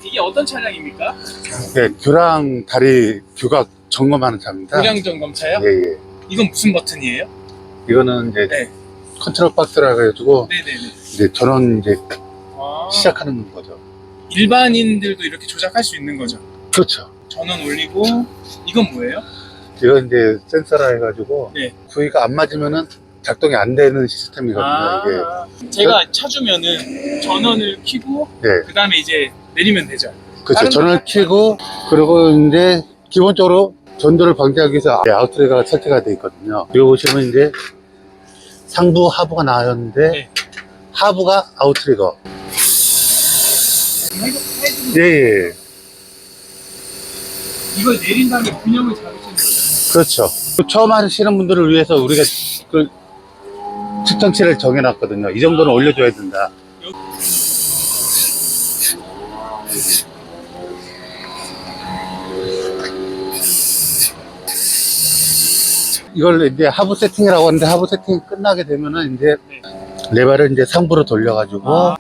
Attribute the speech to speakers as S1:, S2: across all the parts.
S1: 이게 어떤 차량입니까?
S2: 네, 교랑 다리 규각 점검하는 차입니다.
S1: 고량 점검차요?
S2: 예, 예.
S1: 이건 무슨 버튼이에요?
S2: 이거는 이제
S1: 네.
S2: 컨트롤 박스라 해가지고
S1: 네네네.
S2: 이제 전원 이제
S1: 아,
S2: 시작하는 거죠.
S1: 일반인들도 이렇게 조작할 수 있는 거죠?
S2: 그렇죠.
S1: 전원 올리고. 이건 뭐예요?
S2: 이건 이제 센서라 해가지고
S1: 네.
S2: 구위가 안 맞으면은 작동이 안 되는 시스템이거든요. 이게.
S1: 제가 차주면은 전원을 켜고
S2: 네.
S1: 그 다음에 이제 내리면 되죠?
S2: 그렇죠.
S1: 다른
S2: 전원을 켜고 그리고 이제 기본적으로 전도를 방지하기 위해서 아웃트리거가 설치가 되어 있거든요. 여기 보시면 이제 상부 하부가 나왔는데
S1: 네.
S2: 하부가 아웃트리거.
S1: 해주는
S2: 예, 예.
S1: 이걸 내린 다음에 균형을 잡으시는 거죠?
S2: 그렇죠. 처음 하시는 분들을 위해서 우리가 그 측정치를 정해놨거든요. 이 정도는 올려줘야 된다. 이걸 이제 하부 세팅이라고 하는데 하부 세팅이 끝나게 되면은 이제 레버를 이제 상부로 돌려가지고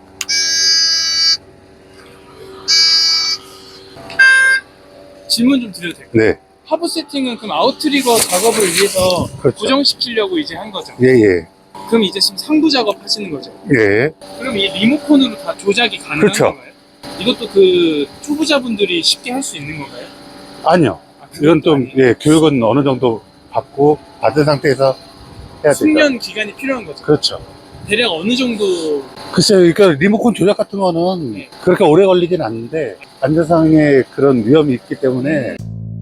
S1: 질문 좀 드려도 될까요?
S2: 네,
S1: 하부 세팅은 그럼 아웃트리거 작업을 위해서
S2: 그렇죠.
S1: 고정시키려고 이제 한 거죠?
S2: 예, 예,
S1: 그럼 이제 지금 상부 작업 하시는 거죠?
S2: 예.
S1: 그럼 이 리모컨으로 다 조작이 가능한
S2: 그렇죠.
S1: 건가요? 이것도 그 초보자분들이 쉽게 할 수 있는 건가요?
S2: 아니요. 이건 좀 예, 교육은 어느 정도 받은 상태에서 해야 되죠.
S1: 숙련 기간이 필요한 거죠?
S2: 그렇죠.
S1: 대략 어느 정도?
S2: 글쎄요, 그러니까 리모컨 조작 같은 거는
S1: 네.
S2: 그렇게 오래 걸리진 않는데 안전상의 그런 위험이 있기 때문에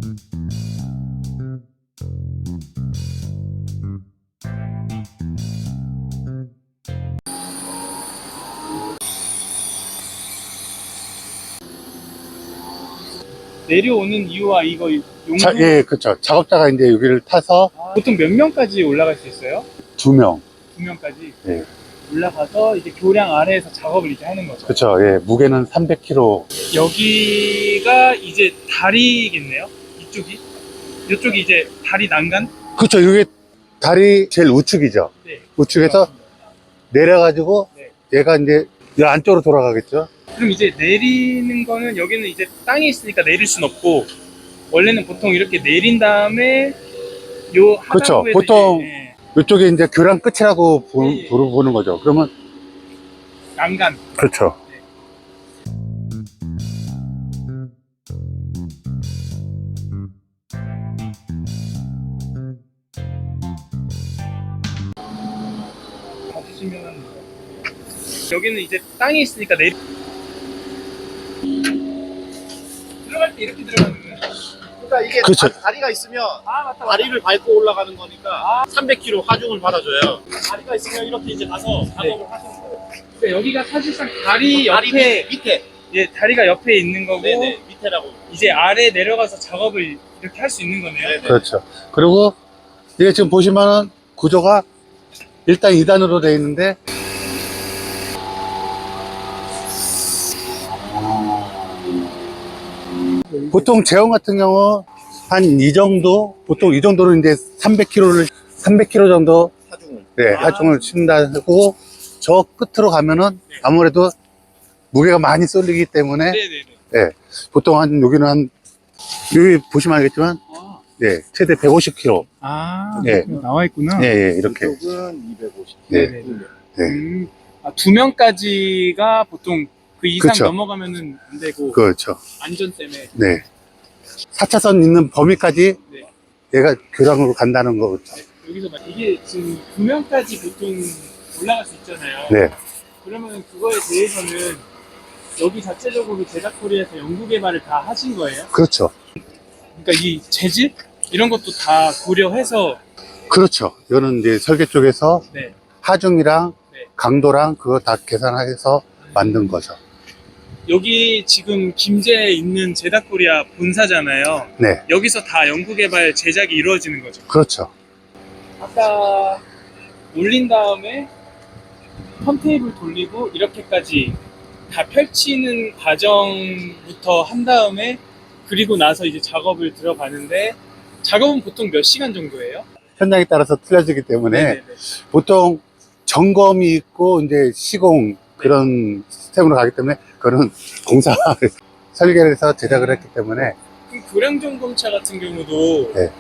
S1: 내려오는 이유와 이거 용도?
S2: 예, 그렇죠. 작업자가 이제 여기를 타서
S1: 보통 몇 명까지 올라갈 수 있어요?
S2: 2명.
S1: 2명까지
S2: 예.
S1: 올라가서 이제 교량 아래에서 작업을 이제 하는 거죠.
S2: 그렇죠. 예, 무게는 300kg.
S1: 여기가 이제 다리겠네요. 이쪽이 이제 다리 난간?
S2: 그렇죠. 이게 다리 제일 우측이죠.
S1: 네.
S2: 우측에서 내려가지고
S1: 네.
S2: 얘가 이제 이 안쪽으로 돌아가겠죠.
S1: 그럼 이제 내리는 거는 여기는 이제 땅이 있으니까 내릴 순 없고 원래는 보통 이렇게 내린 다음에 요
S2: 그렇죠.
S1: 하단부에서
S2: 보통
S1: 이제,
S2: 이쪽에 이제 교량 끝이라고
S1: 예, 예.
S2: 보는 거죠. 그러면
S1: 난간.
S2: 그렇죠.
S1: 봐주시면 여기는 이제 땅이 있으니까 들어갈 때 이렇게 들어가는 거예요.
S3: 그러니까 이게
S2: 그쵸.
S3: 다리가 있으면
S1: 맞다.
S3: 다리를 밟고 올라가는 거니까 300kg 하중을 받아줘요. 다리가 있으면 이렇게 이제 가서 작업을 하시는 거예요.
S1: 그러니까 여기가 사실상 다리
S3: 다리
S1: 옆에
S3: 밑에.
S1: 예, 다리가 옆에 있는 거고
S3: 네네, 밑에라고.
S1: 이제 아래 내려가서 작업을 이렇게 할 수 있는 거네요.
S3: 네네.
S2: 그렇죠. 그리고 이게 지금 보시면은 구조가 1단 2단으로 되어 있는데 보통 제형 같은 경우 한 이 정도, 보통 이 정도로 이제 300kg 정도
S3: 하중을.
S2: 네, 하중을 친다고 저 끝으로 가면은 아무래도 무게가 많이 쏠리기 때문에
S1: 네네네.
S2: 네, 보통 한 여기는 한 여기 보시면 알겠지만 네, 최대 150kg. 네.
S1: 나와 있구나.
S2: 예, 예, 이렇게.
S3: 이쪽은 250.
S2: 네.
S1: 네네.
S2: 네.
S1: 2명까지가 보통 그 이상
S2: 그쵸.
S1: 넘어가면은 안 되고
S2: 그렇죠.
S1: 안전 때문에.
S2: 네. 4차선 있는 범위까지
S1: 네.
S2: 얘가 교량으로 간다는 거죠.
S1: 여기서 이게 지금 2명까지 보통 올라갈 수 있잖아요.
S2: 네.
S1: 그러면 그거에 대해서는 여기 자체적으로 제작코리아에서 연구 개발을 다 하신 거예요?
S2: 그렇죠.
S1: 그러니까 이 재질 이런 것도 다 고려해서
S2: 그렇죠. 이거는 이제 설계 쪽에서
S1: 네.
S2: 하중이랑
S1: 네.
S2: 강도랑 그거 다 계산해서 만든 거죠.
S1: 여기 지금 김제에 있는 제작코리아 본사잖아요.
S2: 네.
S1: 여기서 다 연구 개발 제작이 이루어지는 거죠.
S2: 그렇죠.
S1: 아까 올린 다음에 턴테이블 돌리고 이렇게까지 다 펼치는 과정부터 한 다음에 그리고 나서 이제 작업을 들어가는데 작업은 보통 몇 시간 정도예요?
S2: 현장에 따라서 틀려지기 때문에
S1: 네네네.
S2: 보통 점검이 있고 이제 시공 그런 시스템으로 가기 때문에 그거는 공사 설계를 해서 제작을 했기 때문에.
S1: 그 교량점검차 같은 경우도
S2: 네.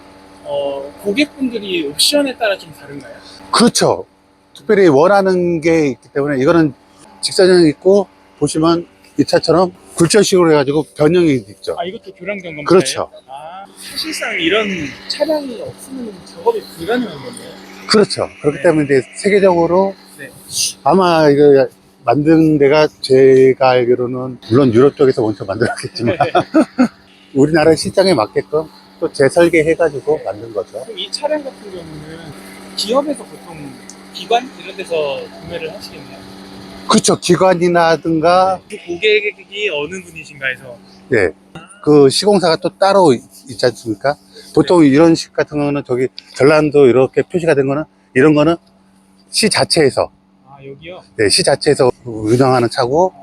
S1: 고객분들이 옵션에 따라 좀 다른가요?
S2: 그렇죠. 특별히 원하는 게 있기 때문에 이거는 직사전이 있고, 보시면 이 차처럼 굴절식으로 해가지고 변형이 있죠.
S1: 아, 이것도 교량점검차예요?
S2: 그렇죠.
S1: 아, 사실상 이런 차량이 없으면 작업이 불가능한 거네요.
S2: 그렇죠. 그렇기
S1: 네.
S2: 때문에 이제 세계적으로
S1: 네.
S2: 아마 이거 만든 데가 제가 알기로는 물론 유럽 쪽에서 먼저 만들었겠지만 우리나라 시장에 맞게끔 또 재설계해가지고 만든 거죠.
S1: 그럼 이 차량 같은 경우는 기업에서 보통 기관 이런 데서 구매를 하시겠네요.
S2: 그렇죠. 기관이라든가,
S1: 그 고객이 어느 분이신가 해서.
S2: 네. 그 시공사가 또 따로 있지 않습니까? 보통 이런 식 같은 거는 저기 전라도 이렇게 표시가 된 거는 이런 거는 시 자체에서,
S1: 아, 여기요?
S2: 네, 시 자체에서 운영하는 차고,